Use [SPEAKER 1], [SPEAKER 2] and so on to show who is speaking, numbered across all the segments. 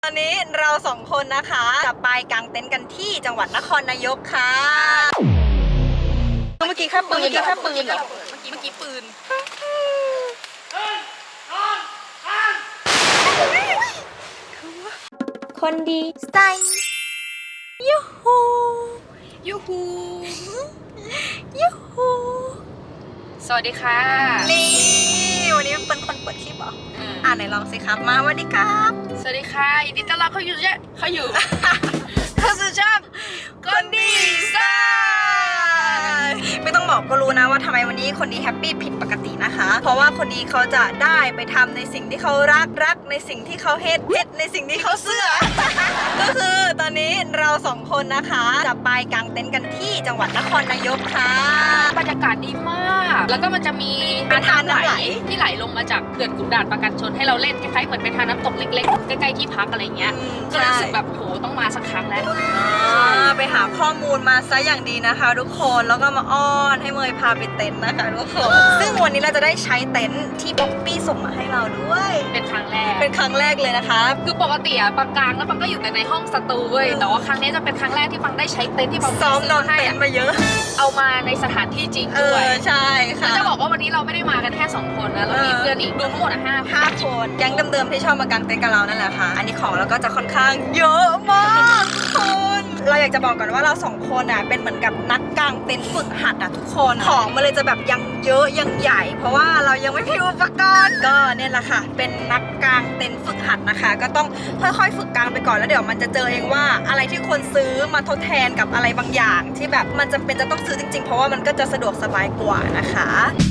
[SPEAKER 1] ตอนนี้เราสองคนนะคะจะไปกางเต็นท์กันที่จังหวัดนครนายกค่ะเมื่อกี้แค่ปืนเหรอเมื่อกี้ปืนคนดีสไตล์ยูฮูยูฮูยูฮู
[SPEAKER 2] สวัสดีค่ะ
[SPEAKER 1] นี่วันนี้เป็นคนเปิดคลิปเหรอไหนลองสิครับมาสวัสดีครับ
[SPEAKER 2] สวัสดีค่ะยินดีต้อนรับเข้าสู่ช่องคนดีไซน์
[SPEAKER 1] ไม่ต้องบอกก็รู้นะว่าทำไมวันนี้คนดีแฮปปี้ผิดปกตินะคะเพราะว่าคนดีเขาจะได้ไปทำในสิ่งที่เขารักในสิ่งที่เขาเฮ็ดในสิ่งที่เขาเสื่อ ก็คือตอนนี้เราสองคนนะคะจะไปกางเต็นท์กันที่จังหวัดนครนายกค่ะ
[SPEAKER 2] บรรยากาศดีมากแล้วก็มันจะมีน้ำไหลที่ไหลลงมาจากเขื่อนขุนด่านประการชนให้เราเล่นคล้ายๆเหมือนเป็นทางน้ำตกเล็กๆใกล้ๆที่พักอะไรเงี้ยก็รู้สึกแบบโหต้องมาสักครั้งแล้ว
[SPEAKER 1] ไปหาข้อมูลมาซะอย่างดีนะคะทุกคนแล้วก็มาอ้อนให้เมยพาไปเต็นท์นะคะทุกคนซึ่งวันนี้เราจะได้ใช้เต็นท์ที่ป๊อปปี้ส่งมาให้เราด้วย
[SPEAKER 2] เป็นครั้งแรก
[SPEAKER 1] เลยนะคะ
[SPEAKER 2] คือปกติอะปังกลางแล้วปังก็อยู่แต่ในห้องสตูเว้ยแต่ว่าครั้งนี้จะเป็นครั้งแรกที่ปังได้ใช้เต็นท์ที่ปัง
[SPEAKER 1] ซ้อมนอนเต็นท์มาเยอะ
[SPEAKER 2] เอามาในสถานที่จริงด้วย
[SPEAKER 1] ใช่ค่ะ
[SPEAKER 2] จะบอกว่าวันนี้เราไม่ได้มากันแค่2คนนะเรามีเพื่อนอีกรวมทั้งหมด5
[SPEAKER 1] คนแก๊งเดิมๆที่ชอบมากางเต็นท์กับเรานั่นแหละค่ะอันนี้ของเราก็จะค่อนข้างเยอะมากคุณเราอยากจะบอกก่อนว่าเรา2คนอ่ะเป็นเหมือนกับนักกางเต็นท์ฝึกหัดอ่ะทุกคนของมันเลยจะแบบยังเยอะยังใหญ่เพราะว่าเรายังไม่มีอุปกรณ์ก็เนี่ยแหละค่ะเป็นนักกางเต็นท์ฝึกหัดนะคะก็ต้องค่อยๆฝึกกางไปก่อนแล้วเดี๋ยวมันจะเจอเองว่าอะไรที่ควรซื้อมาทดแทนกับอะไรบางอย่างที่แบบมันจำเป็นจะต้องซื้อจริงๆเพราะว่ามันก็จะสะดวกสบายกว่านะคะ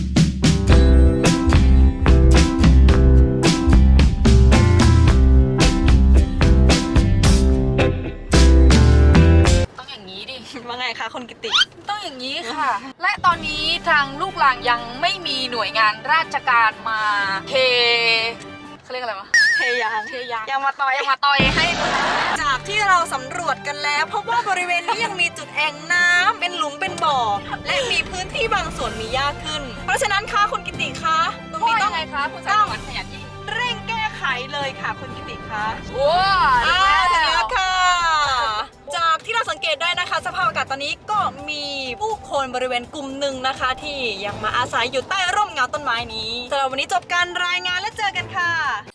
[SPEAKER 1] ว่าไงคะคนกิติ
[SPEAKER 2] ต้องอย่างนี้ค่ะ และตอนนี้ทางลูกหลานยังไม่มีหน่วยงานราชการมาเขาเรียกอะไรวะ
[SPEAKER 1] เทยาง
[SPEAKER 2] ยังมาต่อยให้
[SPEAKER 1] จากที่เราสำรวจกันแล้วพบว่าบริเวณนี้ยังมีจุดแอ่งน้ำเป็นหลุมเป็นบ่อและมีพื้นที่บางส่วนมีหญ้าขึ้นเพราะฉะนั้นค่ะคุณกิติคะตรงนี้ต้อง
[SPEAKER 2] ไงคะคุณสายขยันยิ่ง
[SPEAKER 1] เร่งแก้ไขเลยค่ะคุณกิติคะ
[SPEAKER 2] ว้าว
[SPEAKER 1] ถึงแล้วค่ะจากที่เราสังเกตได้นะคะสภาพอากาศตอนนี้ก็มีผู้คนบริเวณกลุ่มหนึ่งนะคะที่ยังมาอาศัยอยู่ใต้ร่มเงาต้นไม้นี้สำหรับวันนี้จบการรายงานและเจอกันค่ะ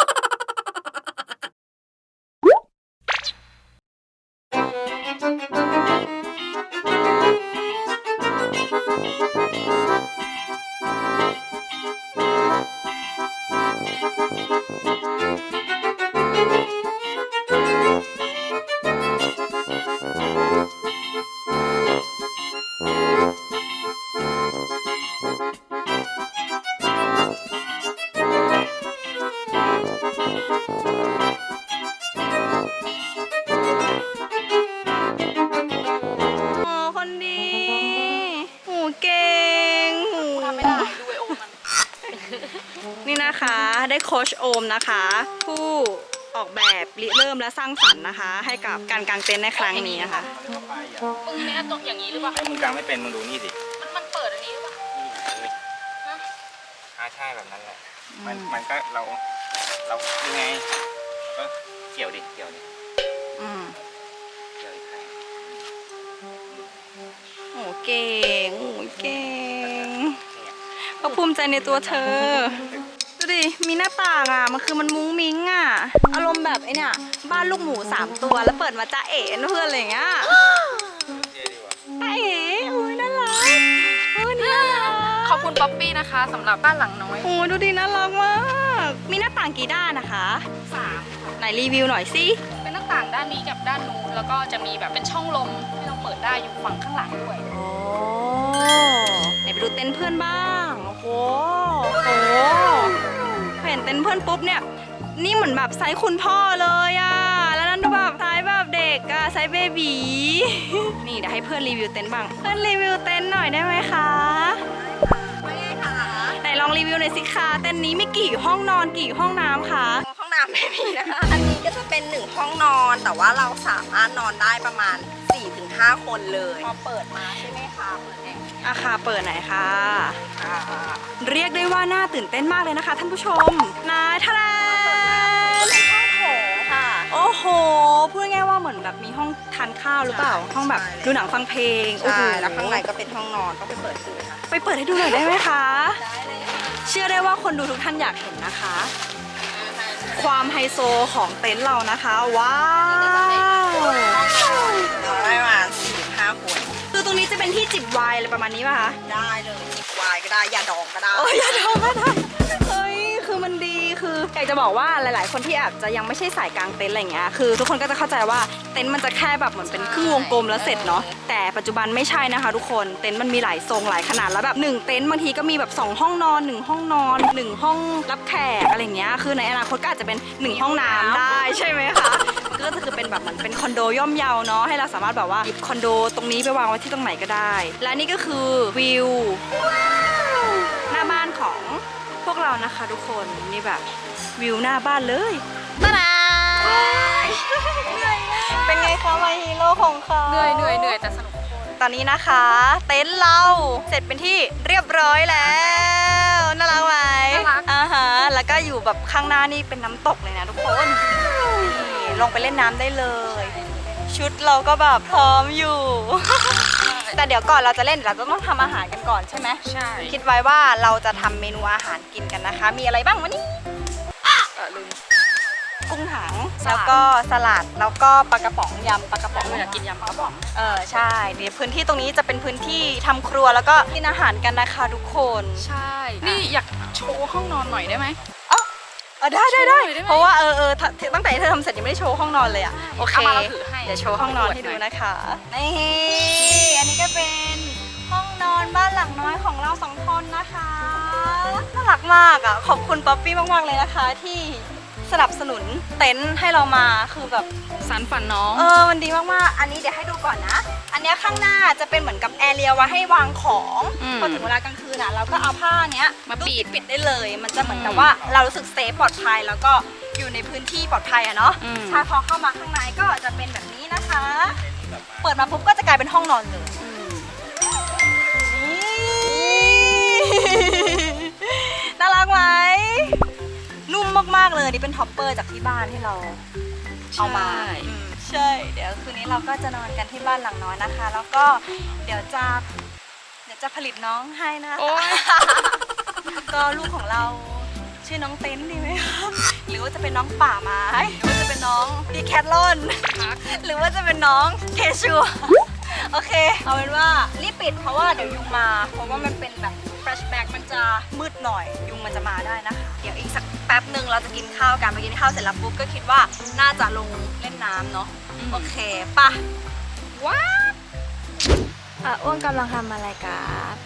[SPEAKER 1] นี่นะคะได้โค้ชโอมนะคะผู้ออกแบบริเริ่มและสร้างสรรค์นะคะให้กับการกางเต็นท์ในครั้งนี้นะคะ
[SPEAKER 2] มึงเนี่ยตรงอย่างนี้หรือเปล่า
[SPEAKER 3] มึงกางไม่เป็นมึงดูนี่สิ
[SPEAKER 2] มันเปิดอันนี้หรือเปล่า
[SPEAKER 3] ใช่แบบนั้นแหละมันก็เรายังไงก็เกี่ยวดิเกี่ยวอีกครั้ง
[SPEAKER 1] โอ้เก่งก็ภูมิใจในตัวเธอดูดิมีหน้าต่างอ่ะมันคือมันมุ้งมิ้งอ่ะอารมณ์แบบไอเนี่ยบ้านลูกหมู3ตัวแล้วเปิดมาจ้าเอ๋เพื่อนอะไรอย่างเงี้ยจ้าเอ๋อุ้ยน่ารักนี่น่ารัก
[SPEAKER 2] ขอบคุณป๊อปปี้นะคะสำหรับบ้านหลังน้อย
[SPEAKER 1] โอ้ดูดิน่ารักมากมีหน้าต่างกี่ด้านนะคะ
[SPEAKER 2] 3
[SPEAKER 1] ไหนรีวิวหน่อยสิ
[SPEAKER 2] เป็นหน้าต่างด้านนี้กับด้านนู้นแล้วก็จะมีแบบเป็นช่องลมที่เราเปิดได้อยู่ฝั่งข้างหลังด้วย
[SPEAKER 1] โอ้ไหนไปดูเต็นท์เพื่อนบ้างโอ้โหเห็นเต็นท์เพื่อนปุ๊บเนี่ยนี่เหมือนแบบไซส์คุณพ่อเลยอ่ะแล้วนั่นดูแบบไซส์แบบเด็กอ่ะไซส์เบบีนี่เดี๋ยวให้เพื่อนรีวิวเต็นท์บ้างเพื่อนรีวิวเต็นท์หน่อยได้ไหมคะไม่ค่ะไหนลองรีวิวหน่อยสิคะเต็นท์นี้มีกี่ห้องนอนกี่ห้องน้ำคะ
[SPEAKER 4] ห้องน้ำไม่มีนะคะอันนี้ก็จะเป็น1ห้องนอนแต่ว่าเราสามารถนอนได้ประมาณ 4-5 คนเลยพอเปิดมาใช่ไหมคะเปิดเอง
[SPEAKER 1] ค่ะเปิดไหนคะเรียกได้ว่าน่าตื่นเต้นมากเลยนะคะท่านผู้ชมนายทะเล
[SPEAKER 4] เป็นห้องโถงค่ะ
[SPEAKER 1] โอ้โหพูดง่ายๆว่าเหมือนแบบมีห้องทานข้าวหรือเปล่า ห้องแบบดูหนังฟังเพลงโอ้โห
[SPEAKER 4] ใช่แล้วข้างในก็เป็นห้องนอนต้องไปเปิดดูค่ะ
[SPEAKER 1] ไปเปิดให้ดูหน่อยได้ไหมคะ
[SPEAKER 4] ได้เลยค่ะ
[SPEAKER 1] เชื่อได้ว่าคนดูทุกท่านอยากเห็นนะคะ ความไฮโซของเต็นท์เรานะคะ ว้าว
[SPEAKER 4] เราได้มา4-5 คน
[SPEAKER 1] คือตรงนี้จะเป็นที่จิบไวน์อะไรประมาณนี้ป่ะคะ
[SPEAKER 4] ได้เลยจิบไวน์ก็ได้ยาดองก็ได้
[SPEAKER 1] โอ้ยอย่าทำก็ได้เฮ้ยคือมันดีคืออยากจะบอกว่าหลายๆ คนที่อาจจะยังไม่ใช่สายกลางเต็นท์อะไรเงี้ยคือทุกคนก็จะเข้าใจว่าเต็นท์มันจะแค่แบบเหมือนเป็นครึ่งวงกลมแล้วเสร็จเนาะแต่ปัจจุบันไม่ใช่นะคะทุกคนเต็นท์มันมีหลายทรงหลายขนาดแล้วแบบ1เต็นท์บางทีก็มีแบบ2ห้องนอน1ห้องนอน1ห้องรับแขกอะไรเงี้ยคือในอนาคตก็อาจจะเป็น1ห้องน้ำได้ใช่ไหมคะก็จะคือเป็นแบบเหมือนเป็นคอนโดย่อมเยาเนาะให้เราสามารถแบบว่าหยิบคอนโดตรงนี้ไปวางไว้ที่ตรงไหนก็ได้และนี่ก็คือวิวหน้าบ้านของพวกเรานะคะทุกคนนี่แบบวิวหน้าบ้านเลยตาดาเป็นไงคะมาฮีโร่ของเขา
[SPEAKER 2] เหนื่อยแต่สนุก
[SPEAKER 1] ตอนนี้นะคะเต็นท์เราเสร็จเป็นที่เรียบร้อยแล้วน่ารักไหม
[SPEAKER 2] น่ารัก
[SPEAKER 1] อ่าฮะแล้วก็อยู่แบบข้างหน้านี่เป็นน้ำตกเลยนะทุกคนนี่ลงไปเล่นน้ำได้เลย ชุดเราก็แบบพร้อมอยู่ แต่เดี๋ยวก่อนเราจะเล่นเราจะต้องทำอาหารกันก่อนใช่ไหม
[SPEAKER 2] ใช่
[SPEAKER 1] คิดไว้ว่าเราจะทำเมนูอาหารกินกันนะคะ มีอะไรบ้างวันนี้
[SPEAKER 2] ลืม
[SPEAKER 1] กุ้งถัง
[SPEAKER 2] สลัด
[SPEAKER 1] แล้วก็สลัดแล้วก็ปลากระป๋องยำปลากระป๋อง
[SPEAKER 2] อยากกินยำปลากระป๋อง
[SPEAKER 1] ใช่เดี๋ยวพื้นที่ตรงนี้จะเป็นพื้นที่ทำครัวแล้วก็กินอาหารกันนะคะทุกคน
[SPEAKER 2] ใช่ นี่อยากโชว์ห้องนอนหน่อยได้ไหม
[SPEAKER 1] ได้
[SPEAKER 2] โชว์หน่อยได้ไหม
[SPEAKER 1] เพราะว่าตั้งแต่ที่เธอทำเสร็จยังไม่ได้โชว์ห้องนอนเลยอ่ะโอเค
[SPEAKER 2] เอามาเราถือให้
[SPEAKER 1] เดี๋ยวโชว์ห้องนอนให้ดูนะคะนี่อันนี้ก็เป็นห้องนอนบ้านหลังน้อยของเราสองคนนะคะน่ารักมากอ่ะขอบคุณป๊อปปี้มากๆเลยนะคะ ที่สนับสนุนเต็นท์ให้เรามาคือแบบ
[SPEAKER 2] สารฝันน้อง
[SPEAKER 1] มันดีมากๆ อันนี้เดี๋ยวให้ดูก่อนนะ อันเนี้ยข้างหน้าจะเป็นเหมือนกับแอเรียไว้ให้วางของ
[SPEAKER 2] อืม
[SPEAKER 1] พอถึงเวลากลางคืนอ่ะเราก็เอาผ้าเนี้ย
[SPEAKER 2] มาปิด
[SPEAKER 1] ปิดได้เลย มันจะเหมือนกับว่าเรารู้สึกเซฟปลอดภัยแล้วก็อยู่ในพื้นที่ปลอดภัยอะเนาะ
[SPEAKER 2] อืม
[SPEAKER 1] ใช่พอเข้ามาข้างในก็จะเป็นแบบนี้นะคะ เปิดมาปุ๊บก็จะกลายเป็นห้องนอนเลยนี่น่ารักไหมนุ่มมากๆเลยนี่เป็นท็อปเปอร์จากที่บ้านที่เรา เอามาใช่ เดี๋ยวคืนนี้เราก็จะนอนกันที่บ้านหลังน้อยนะคะ แล้วก็เดี๋ยวจะผลิตน้องให้นะ
[SPEAKER 2] โอ๊ย
[SPEAKER 1] ก็ลูกของเราชื่อน้องเต้นดีไหมคะหรือว่าจะเป็นน้องป่าไม้หรือว่าจะเป็นน้องดีแคทลอนหรือว่าจะเป็นน้องเคชัวโอเค เอาเป็นว่ารีบปิดเพราะว่าเดี๋ยวยุงมา เพราะว่ามันเป็นแบบแฟลชแบ็กมันจะมืดหน่อย ยุงมันจะมาได้นะคะ เดี๋ยวอีกสักแป๊บหนึ่งเราจะกินข้าวกันไปกินข้าวเสร็จแล้วปุ๊บก็คิดว่าน่าจะลงเล่นน้ำเนาะโอเคปะว้าอ้วนกำลังทำอะไรกัน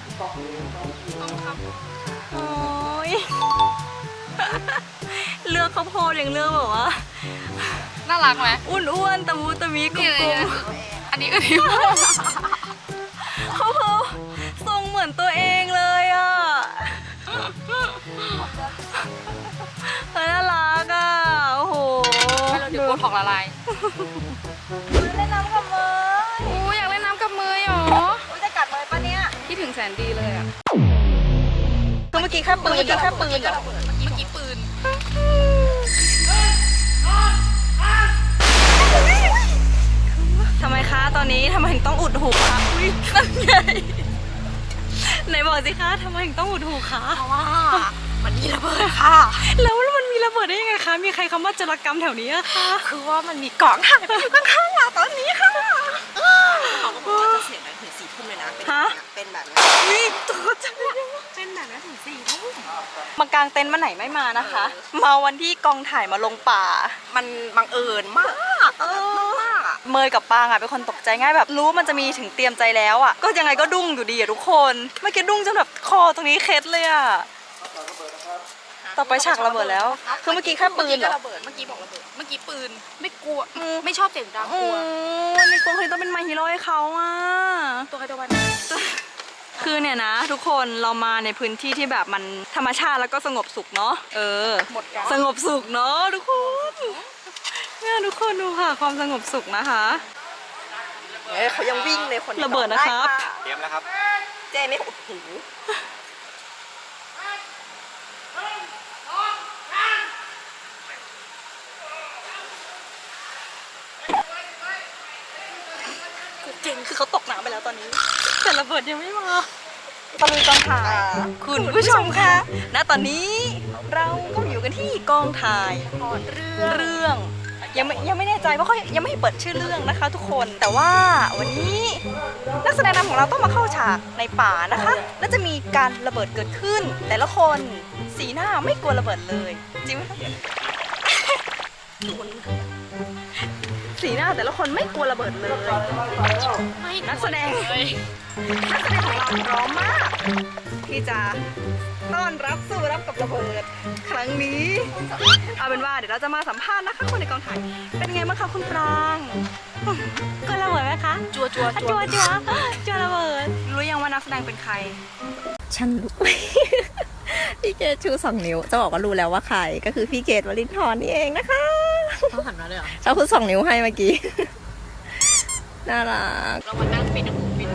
[SPEAKER 1] โอ้ยเลือกข้าวโพดอย่างเลือกแบบว่า
[SPEAKER 2] น่ารักไหม
[SPEAKER 1] อ้วนๆตะมูตะมีกล
[SPEAKER 2] นี่
[SPEAKER 1] ม
[SPEAKER 2] อันนี้อันนี้
[SPEAKER 1] ๆเขาทรงเหมือนตัวเองเลยอ่ะน่ารักอ่ะโอ้โห
[SPEAKER 2] ให้เราเดี๋ยวโบท็อกละลาย
[SPEAKER 1] เล่นน้ำกับเมย
[SPEAKER 2] โอ้อยากเล่นน้ำกับมือหรอ
[SPEAKER 1] อุ๊ยจะกัดเมยปะเนี่ย
[SPEAKER 2] คิดถึงแสนดีเลยอ่ะ
[SPEAKER 1] คือเมื่อกี้แค่ปืนเหรอ
[SPEAKER 2] เมื่อกี้ปืน
[SPEAKER 1] ทำไมคะตอนนี้ทำไมถึงต้องอุดหูคะอุ้ยนั่นไงไหนบอกสิคะทำไมถึงต้องอุดหูคะ
[SPEAKER 4] เพราะว่ามันมีระเบิดค่ะ
[SPEAKER 1] แล้วมันมีระเบิดได้ยังไงคะมีใครคำว่าโจรกรรมแถวนี้อะคะ
[SPEAKER 4] คือว่ามันมีกล่องถ่ายไปอยู่ข้างๆเราตอนนี้ค่ะเขาก็บอกว่าจะเสียงดังถึง4 ทุ่มเลยนะ เป็นแบบนี้
[SPEAKER 1] นี่ตัวจะ
[SPEAKER 4] เป็นแบบนี้ถึง4 ทุ่ม
[SPEAKER 1] มากางเต็นท์มาไหนไม่มานะคะ มาวันที่กองถ่ายมาลงป่า
[SPEAKER 4] มันบังเอิญมากมากอ่ะ
[SPEAKER 1] เมยกับปางอะเป็นคนตกใจง่ายแบบรู้มันจะมีถึงเตรียมใจแล้วอะก็ยังไงก็ดุ้งอยู่ดีอะทุกคนเมื่อกี้ดุ้งจนแบบคอตรงนี้เคล็ดเลยอะต่อไปฉากระเบิดแล้ว คือเมื่อกี้แค่ปืนเหรอ
[SPEAKER 2] ระเบิด เมื่อกี้บอกระเบิด เมื่อกี้ปืน ไม่กลัว ไม่ชอบเสียงดัง
[SPEAKER 1] โอ้
[SPEAKER 2] กลัว
[SPEAKER 1] ยในกองคือต้องเป็นมาฮีโร่ให้เขาอะ
[SPEAKER 2] ตัวใครตัวมัน
[SPEAKER 1] คือเนี่ยนะ ทุกคนเรามาในพื้นที่ที่แบบมันธรรมชาติแล้วก็สงบสุขเนาะ
[SPEAKER 2] หมดกัน
[SPEAKER 1] สงบสุขเนาะทุกคนเนี่ยทุกคนดูค่ะความสงบสุขนะคะ
[SPEAKER 4] เขายังวิ่งเลยคน
[SPEAKER 1] ระเบิดนะครับ
[SPEAKER 3] เตรียมแล้วครับ
[SPEAKER 4] เจ๊ไม่อุดหู
[SPEAKER 1] จริงคือเขาตกน้ำไปแล้วตอนนี้แต่ระเบิดยังไม่มาตะลุยกองถ่ายคุณผู้ชมคะณตอนนี้เราก็อยู่กันที่กองถ่ายเรื่องยังไม่แน่ใจเพราะเขายังไม่ให้เปิดชื่อเรื่องนะคะ ทุกคนแต่ว่าวันนี้นักแสดงนำของเราต้องมาเข้าฉากในป่านะคะและจะมีการระเบิดเกิดขึ้น แต่ละคนสีหน้าไม่กลัวระเบิดเลยจริงไหมคะ สีหน้าแต่ละคนไม่กลัวระเบิดเลย
[SPEAKER 2] ไม่
[SPEAKER 1] นักแสดง
[SPEAKER 2] เลย
[SPEAKER 1] นักแสดงของเราพร้อมมากที่จะต้อนรับสู้รับกับระเบิดครั้งนี้เอาเป็นว่าเดี๋ยวเราจะมาสัมภาษณ์นะคะคนในกองถ่ายเป็นไงบ้างคะคุณปรางกลัวระเบิดไหมคะ
[SPEAKER 2] จัว
[SPEAKER 1] จัวระเบิดรู้ยังว่านักแสดงเป็นใคร
[SPEAKER 4] ฉันรู้ พี่เกดชู2 นิ้วจะบอกว่ารู้แล้วว่าใครก็คือพี่เกดวลินทร์นี่เองนะคะ
[SPEAKER 2] เขาหันมาเลยเหรอ
[SPEAKER 4] เขาคือ2 นิ้วให้เมื่อกี้ น่ารัก
[SPEAKER 2] เรามานั่งปิด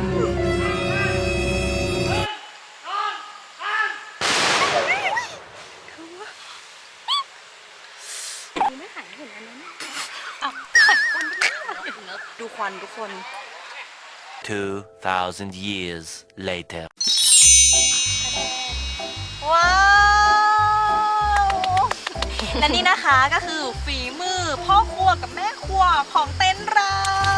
[SPEAKER 1] ดูควันทุกคน
[SPEAKER 5] 2,000 years later.
[SPEAKER 1] ว้าวและนี่นะคะก็คือฝีมือพ่อครัวกับแม่ครัวของเต็นท์เรา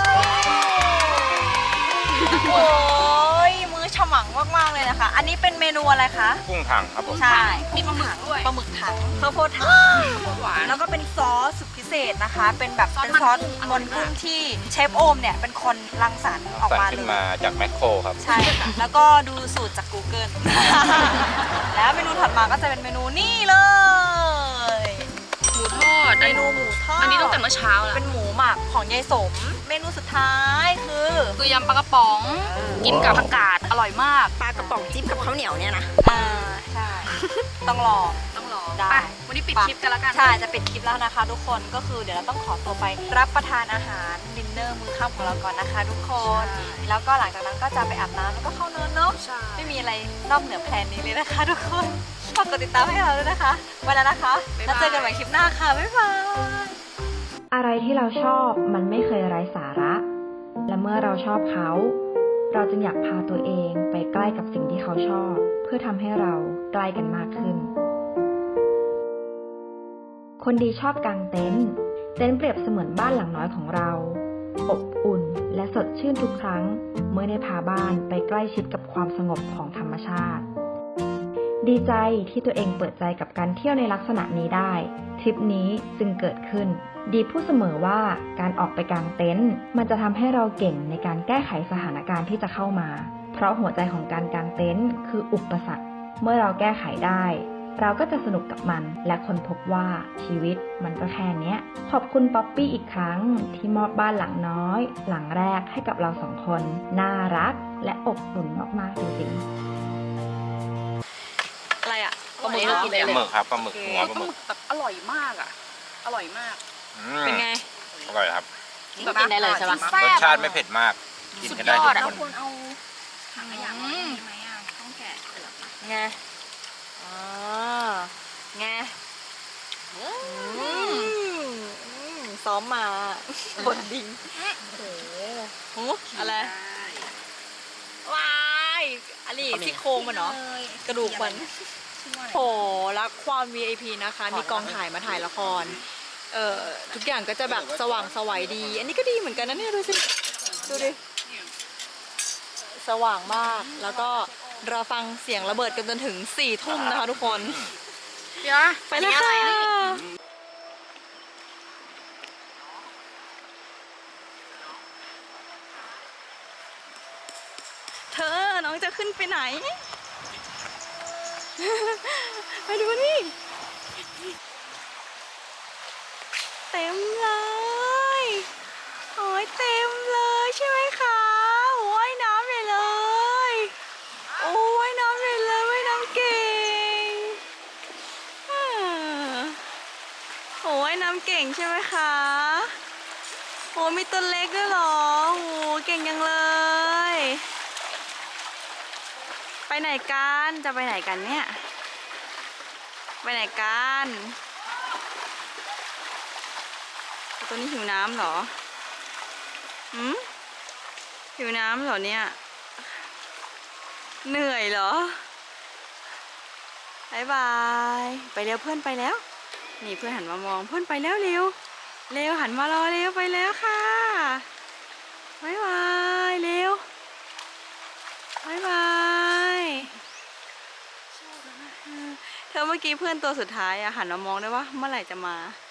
[SPEAKER 1] โอ้ยมื้อฉมังมากๆเลยนะคะ อันนี้เป็นเมนูอะไรคะ
[SPEAKER 3] กุ้งถังครับผม
[SPEAKER 1] ใช่
[SPEAKER 2] มีปลาหมึกด้วย
[SPEAKER 1] ปลาหมึกถังข้าวโพดถัง
[SPEAKER 2] หวาน
[SPEAKER 1] แล้วก็เป็นซอสสุดพิเศษนะคะ เป็นแบบ
[SPEAKER 2] ซอส
[SPEAKER 1] เป็นซอส
[SPEAKER 2] มันกุ้ง
[SPEAKER 1] มันกุ้งที่เชฟโอมเนี่ยเป็นคนรังสรรค์ออก
[SPEAKER 3] สั่ง
[SPEAKER 1] มา
[SPEAKER 3] ขึ้
[SPEAKER 1] เล
[SPEAKER 3] น
[SPEAKER 1] ย
[SPEAKER 3] มาจากแมคโครครับ
[SPEAKER 1] ใช่ค่ะ แล้วก็ดูสูตรจาก Google แล้วเมนูถัดมาก็จะเป็นเมนูนี่เลย
[SPEAKER 2] หมูทอด
[SPEAKER 1] เมนูหมูทอด
[SPEAKER 2] อันนี้ตั้งแต่เมื่อเช้าแล้ว
[SPEAKER 1] เป็นหมูหมักของยายสม เมนูสุดท้ายคือ
[SPEAKER 2] คือยำปลากระป๋อง กินกับผักกาดอร่อยมาก
[SPEAKER 4] ปลากระป๋องจิ้มกับข้าวเหนียวเนี่ยนะ
[SPEAKER 1] ใช่ ต้องลอง
[SPEAKER 2] ต้องรอ
[SPEAKER 1] ได้
[SPEAKER 2] ไปวันนี้ปิดคลิปกันแล้วกัน
[SPEAKER 1] ใช่ จะปิดคลิปแล้วนะคะทุกคน ก็คือเดี๋ยวเราต้องขอตัวไปรับประทานอาหารดินเนอร์มื้อค่ำของเราก่อนนะคะทุกคน
[SPEAKER 2] ใช่
[SPEAKER 1] แล้วก็หลังจากนั้นก็จะไปอาบน้ำแล้วก็เข้านอนเนาะ
[SPEAKER 2] ใช่
[SPEAKER 1] ไม่มีอะไรนอกเหนือแพลนนี้เลยนะคะทุกคนฝากกดติดตามให้เราด้วยนะคะไว้แล้วนะคะ แล้วเจอกันใหม่คลิปหน้าค่ะ บ๊ายบาย
[SPEAKER 6] อะไรที่เราชอบมันไม่เคยไร้สาระ และเมื่อเราชอบเขา เราจึงอยากพาตัวเองไปใกล้กับสิ่งที่เขาชอบ เพื่อทำให้เราใกล้กันมากขึ้น คนดีชอบกางเต็นท์เต็นท์เปรียบเสมือนบ้านหลังน้อยของเรา อบอุ่นและสดชื่นทุกครั้ง เมื่อได้พาบ้านไปใกล้ชิดกับความสงบของธรรมชาติ ดีใจที่ตัวเองเปิดใจกับการเที่ยวในลักษณะนี้ได้ ทริปนี้จึงเกิดขึ้น ดีพูดเสมอว่าการออกไปกางเต็นท์มันจะทำให้เราเก่งในการแก้ไขสถานการณ์ที่จะเข้ามา เพราะหัวใจของการกางเต็นท์คืออุปสรรค เมื่อเราแก้ไขได้ เราก็จะสนุกกับมัน และค้นพบว่าชีวิตมันก็แค่เนี้ย ขอบคุณป๊อปปี้อีกครั้งที่มอบบ้านหลังน้อย หลังแรกให้กับเรา2 คน น่ารักและอบอุ่นมากๆจริงๆ
[SPEAKER 1] อะไรอ่ะ
[SPEAKER 2] ปลาหมึกเหรอ
[SPEAKER 3] ปลาหมึกครับปลาหมึกหัว
[SPEAKER 2] ป
[SPEAKER 3] ป
[SPEAKER 2] ลา
[SPEAKER 3] ลา
[SPEAKER 2] ห
[SPEAKER 3] ห
[SPEAKER 2] มึ
[SPEAKER 3] มึ
[SPEAKER 2] ก
[SPEAKER 3] ก
[SPEAKER 2] แบบอร่อยมากอ่ะ อร่อยมาก
[SPEAKER 1] เป็นไง
[SPEAKER 3] อร่อยครับ
[SPEAKER 2] แบบกินได้เลยใช่ปะ
[SPEAKER 3] รสชาติไม่เผ็ดมาก กินกันได้
[SPEAKER 2] สุดยอด
[SPEAKER 3] ทุ
[SPEAKER 2] อะ
[SPEAKER 3] กคน
[SPEAKER 2] ถังขยะมามีไหมอ่ะต้องแกะเปลือกอะ
[SPEAKER 1] ไงอ๋อไงซ้อมมาบนดิงโอ้โหอะไร ว้ายอันนี้ซี่โครงมันเนาะกระดูกมันโหรักความ VIP นะคะ มีกองถ่ายมาถ่ายละคร ทุกอย่างก็จะแบบสว่างไสวัยดี อันนี้ก็ดีเหมือนกันนะเนี่ยดูสิ ดูดิ สว่างมาก แล้วก็รอฟังเสียงระเบิดกันจนถึง4 ทุ่มนะคะทุกคน
[SPEAKER 2] เดี๋ยว
[SPEAKER 1] ไปเลยค่ะ เธอ น้องจะขึ้นไปไหน ไปดูนี่ เต็มเลยโอ้ยเต็มเลยใช่ไหมคะว่ายน้ำใหญ่เลย โอ้ว่ายน้ำใหญ่เลยว่ายน้ำเก่งโอ้ว่ายน้ำเก่งใช่ไหมคะโอ้มีตัวเล็กด้วยเหรอโอ้เก่งยังเลย ไปไหนกันจะไปไหนกันเนี่ยไปไหนกันตัวนี้หิวน้ำเหรอหืมหิวน้ำเหรอเนี่ย เหนื่อยเหรอบายบายไปเร็วเพื่อนไปแล้ว นี่เพื่อนหันมามองเพื่อนไปแล้วเร็วเร็วหันมารอเร็วไปแล้วค่ะบายบายเร็วบายบายเธอเมื่อกี้เพื่อนตัวสุดท้ายอะหันมามองได้ว่าเมื่อไหร่จะมา